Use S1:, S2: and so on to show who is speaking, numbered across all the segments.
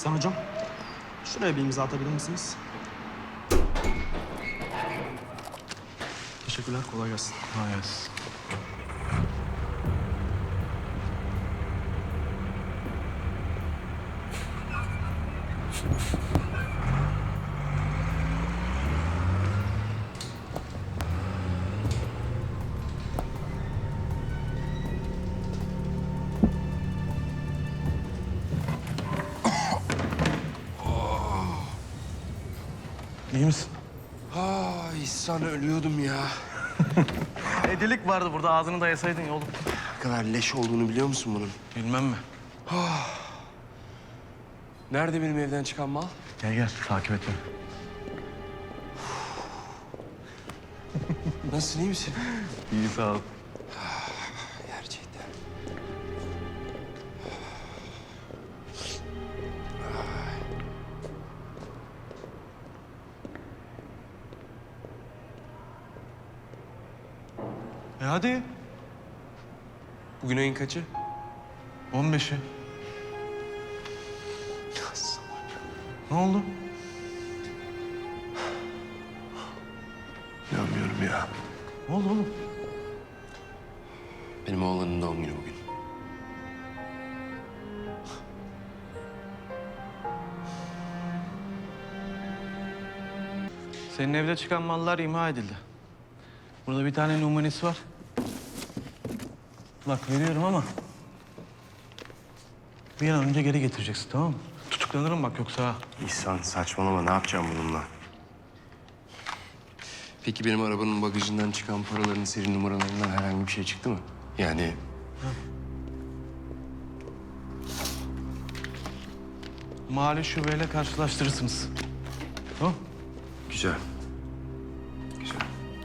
S1: İhsan hocam, şuraya bir imza atabilir misiniz? Teşekkürler, kolay gelsin.
S2: Kolay gelsin. İyi misin?
S3: İhsan ölüyordum ya.
S2: Delik vardı burada, ağzını dayasaydın ya oğlum.
S3: Ne kadar leş olduğunu biliyor musun bunun?
S2: Bilmem mi?
S3: Nerede benim evden çıkan mal?
S2: Gel gel, takip et beni.
S3: Nasılsın, iyi misin?
S2: İyi, sağ ol.
S3: Gerçekten.
S2: Hadi.
S3: Bugün ayın kaçı?
S2: 15'i. Ne oldu?
S3: İnanmıyorum ya.
S2: Ne oldu oğlum?
S3: Benim oğlanın doğum günü bugün.
S2: Senin evde çıkan mallar imha edildi. Burada bir tane numunesi var. Bak veriyorum ama... bir an önce geri getireceksin, tamam mı? Tutuklanırım bak yoksa ha.
S3: İhsan saçmalama, ne yapacağım bununla? Peki benim arabanın bagajından çıkan paraların seri numaralarından herhangi bir şey çıktı mı? Yani
S2: Mali şubeyle karşılaştırırsınız. Tamam.
S3: güzel. Güzel.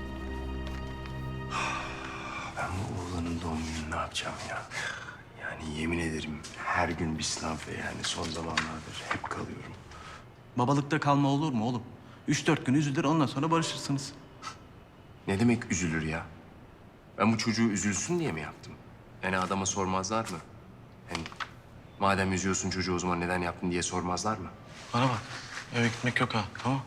S3: Ben bu oğlanın doğum gününü ne yapacağım ya? Yani yemin ederim her gün bir sınav ve yani son zamanlardır hep kalıyorum.
S2: Babalıkta kalma olur mu oğlum? 3-4 gün üzülür, ondan sonra barışırsınız.
S3: Ne demek üzülür ya? Ben bu çocuğu üzülsün diye mi yaptım? Yani adama sormazlar mı? Yani madem üzüyorsun çocuğu o zaman neden yaptın diye sormazlar mı?
S2: Bana bak, eve gitmek yok ha, tamam?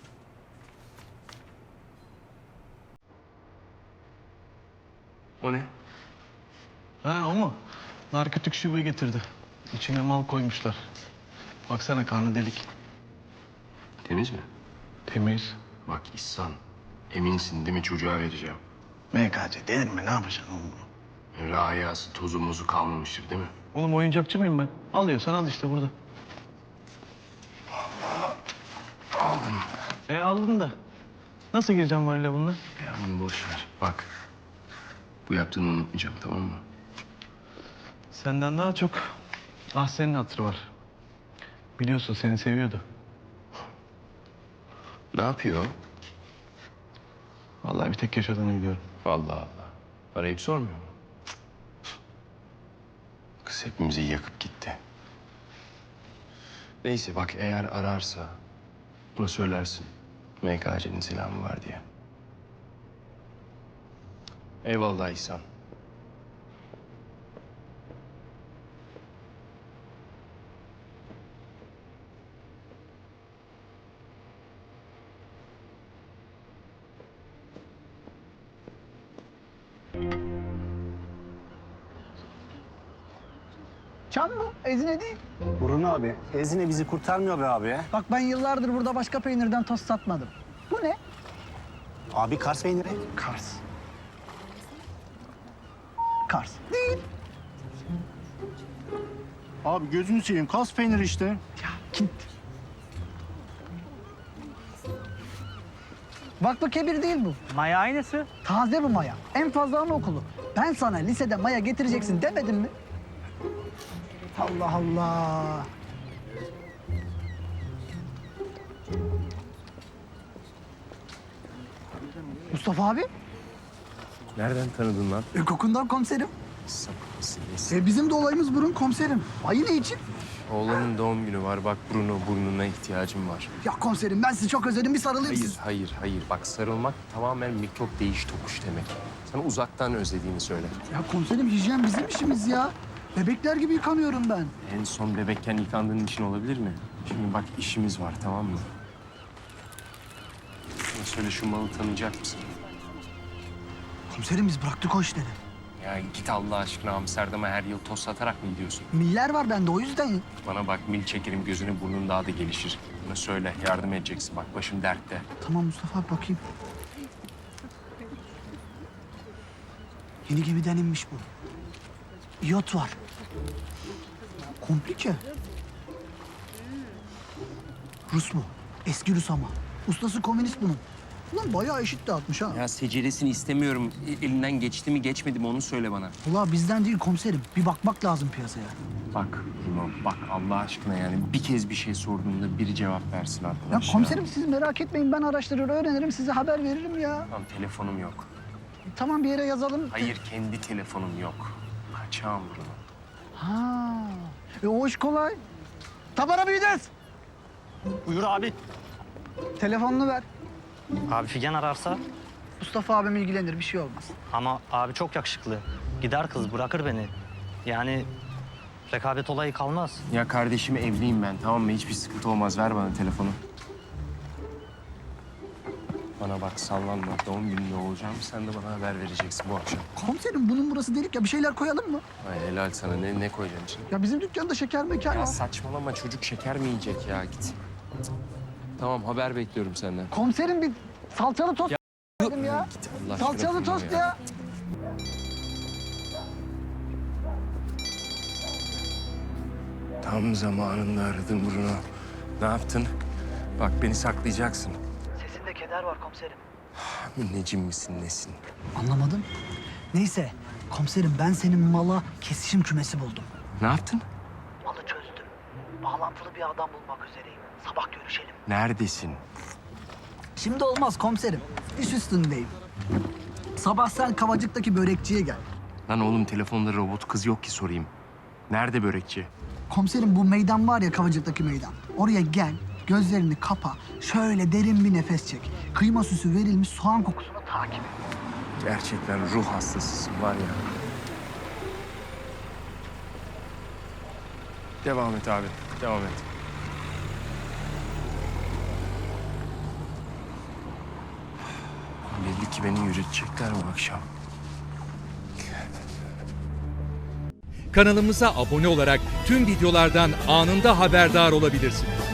S3: O ne?
S2: Ha, o mu? Narkotik şubeyi getirdi. İçine mal koymuşlar. Baksana, karnı delik.
S3: Temiz mi?
S2: Temiz.
S3: Bak İhsan, eminsin değil mi çocuğa vereceğim?
S2: MKC denir mi? Ne yapacaksın oğlum bunu?
S3: Öyle ayağısı, tozu muzu kalmamıştır değil mi?
S2: Oğlum oyuncakçı mıyım ben? Alıyorsan al işte burada.
S3: Aldım.
S2: Aldın da. Nasıl gireceğim varile bununla?
S3: Ya bunu boş ver. Bak, bu yaptığını unutmayacağım tamam mı?
S2: Senden daha çok Ahsen'in hatırı var. Biliyorsun seni seviyordu.
S3: Ne yapıyor?
S2: Vallahi bir tek yaşadığını biliyorum.
S3: Allah Allah. Arayıp sormuyor mu? Kız hepimizi yakıp gitti. Neyse bak eğer ararsa buna söylersin. MKC'nin selamı var diye. Eyvallah İhsan.
S4: Can mı? Ezine değil.
S5: Burun abi, Ezine bizi kurtarmıyor be abi ya.
S4: Bak ben yıllardır burada başka peynirden tost satmadım. Bu ne?
S5: Abi Kars peyniri.
S4: Kars. Kars. Değil.
S5: Abi gözünü seveyim, Kars peyniri işte.
S4: Ya git. Vakfı Kebir değil bu.
S6: Maya aynısı.
S4: Taze bu maya. En fazla anaokulu. Ben sana lisede maya getireceksin demedim mi? Allah Allah. Mustafa abi,
S3: Nereden tanıdın lan?
S4: kokundan komiserim.
S3: Sapık mısın nesin?
S4: Bizim de olayımız burun komiserim. Ayı ne için?
S3: Oğlanın doğum günü var. Bak burnuna ihtiyacım var.
S4: Ya komiserim ben sizi çok özledim. Bir sarılayım
S3: Hayır,
S4: size.
S3: hayır. Bak sarılmak tamamen mikrop değiş tokuş demek. Sana uzaktan özlediğini söyle.
S4: Ya komiserim hijyen bizim işimiz ya. Bebekler gibi yıkanıyorum ben.
S3: En son bebekken yıkandığın için olabilir mi? Şimdi bak işimiz var, tamam mı? Bana söyle, şu malı tanıyacak mısın?
S4: Komiserim biz bıraktık o işleri.
S3: Ya git Allah aşkına, Amsterdam'a her yıl toz satarak mı gidiyorsun?
S4: Miller var bende o yüzden.
S3: Bana bak, mil çekerim, gözünü burnun daha da gelişir. Bana söyle, yardım edeceksin. Bak başım dertte.
S4: Tamam Mustafa abi bakayım. Yeni gemiden inmiş bu. İyot var. Komplike. Rus mu? Eski Rus ama. Ustası komünist bunun. Ulan bayağı eşit dağıtmış ha.
S3: Ya seceresini istemiyorum. Elinden geçti mi geçmedi mi onu söyle bana.
S4: Ulan bizden değil komiserim. Bir bakmak lazım piyasaya.
S3: Bak Bruno, bak Allah aşkına yani bir kez bir şey sorduğumda biri cevap versin
S4: Ya
S3: arkadaş.
S4: komiserim siz merak etmeyin. Ben araştırır öğrenirim. Size haber veririm ya.
S3: Tamam, telefonum yok.
S4: Tamam bir yere yazalım.
S3: Hayır, kendi telefonum yok. Kaçağım Bruno.
S4: Ha. O iş kolay. Tabara büyüdüz.
S5: Buyur abi.
S4: Telefonunu ver.
S6: Abi Figen ararsa
S4: Mustafa abim ilgilenir. Bir şey olmaz.
S6: ama abi çok yakışıklı. Gider kız bırakır beni. Yani rekabet olayı kalmaz.
S3: Ya kardeşim, evliyim ben, tamam mı? Hiçbir sıkıntı olmaz. Ver bana telefonu. Bana bak, sallanma. Doğum gününde olacağım. Sen de bana haber vereceksin bu akşam.
S4: Komiserim bunun burası delik ya. Bir şeyler koyalım mı?
S3: Ay helal sana. Ne koyacaksın içine?
S4: Ya bizim dükkanda şeker mekan
S3: Ya
S4: var.
S3: saçmalama, çocuk şeker mi yiyecek ya? Git. Tamam, haber bekliyorum senden.
S4: Komiserim bir salçalı tost dedim ya.
S3: Git Allah aşkına.
S4: Salçalı
S3: Bruno
S4: tost ya.
S3: Tam zamanında aradın Bruno. Ne yaptın? Bak, beni saklayacaksın.
S4: Sesinde keder var komiserim.
S3: Münnecim misin, nesin?
S4: Anlamadım. Neyse komiserim ben senin mala kesişim kümesi buldum.
S3: Ne yaptın?
S4: Malı çözdüm. Bağlantılı bir adam bulmak üzereyim. Sabah görüşelim.
S3: Neredesin?
S4: Şimdi olmaz komiserim. İş üstündeyim. Sabah sen Kavacık'taki börekçiye gel.
S3: Lan oğlum, telefonda robot kız yok ki sorayım. Nerede börekçi?
S4: Komiserim bu meydan var ya Kavacık'taki meydan. Oraya gel, gözlerini kapa, şöyle derin bir nefes çek. Kıyma süsü verilmiş soğan kokusunu takip et.
S3: Gerçekten ruh hastasısın var ya. Devam et abi, devam et. Belli ki beni yürütecekler bu akşam.
S7: Kanalımıza abone olarak tüm videolardan anında haberdar olabilirsiniz.